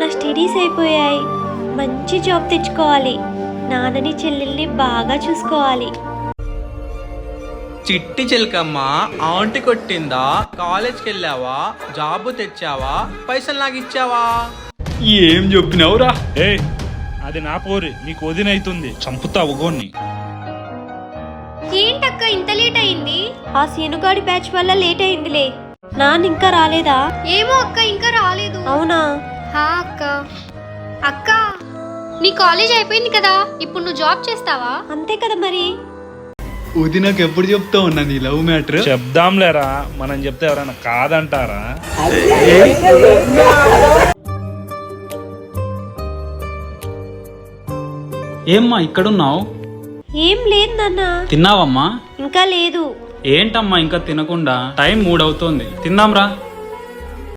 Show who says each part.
Speaker 1: నా స్టడీస్ అయిపోయాయి. మంచి జాబ్ తెచ్చుకోవాలి. నాన్నని చెల్లెల్ని బాగా చూసుకోవాలి.
Speaker 2: చిట్టి చిలకమ్మ ఆంటీ కొట్టిందా? కాలేజ్కి వెళ్ళావా? జాబు తెచ్చావా? పైసలు నాకు ఇచ్చావా?
Speaker 3: ఏం చెప్పినావురా?
Speaker 4: ఏ అది నా పోరి, నీకు వదినైతుంది, చంపుతావు గోన్ని.
Speaker 5: ఏంటక్క ఇంత లేట్ అయింది?
Speaker 1: ఆ సీనుగాడి బ్యాచ్ వల్ల లేట్ అయిందిలే. నాన్న ఇంకా రాలేదా?
Speaker 5: ఏమో అక్క, ఇంకా రాలేదు.
Speaker 1: అవునా?
Speaker 5: హా అక్క. అక్క, నీ కాలేజ్ అయిపోయింది కదా, ఇప్పుడు నువ్వు జాబ్ చేస్తావా?
Speaker 1: అంతే కదా మరి.
Speaker 3: వదినకు ఎప్పుడు చెప్తావు అన్న నీ లవ్ మ్యాటర్?
Speaker 4: చెప్దాంలేరా, మనం చెప్తే ఎవరైనా కాదంటారా?
Speaker 3: ఏమ్మా ఇక్కడున్నావు?
Speaker 1: ఏం లేదు నాన్న.
Speaker 3: తిన్నావమ్మా?
Speaker 1: ఇంకా లేదు.
Speaker 3: ఏంటమ్మా ఇంకా తినకుండా? టైం 3 అవుతోంది, తిందాంరా.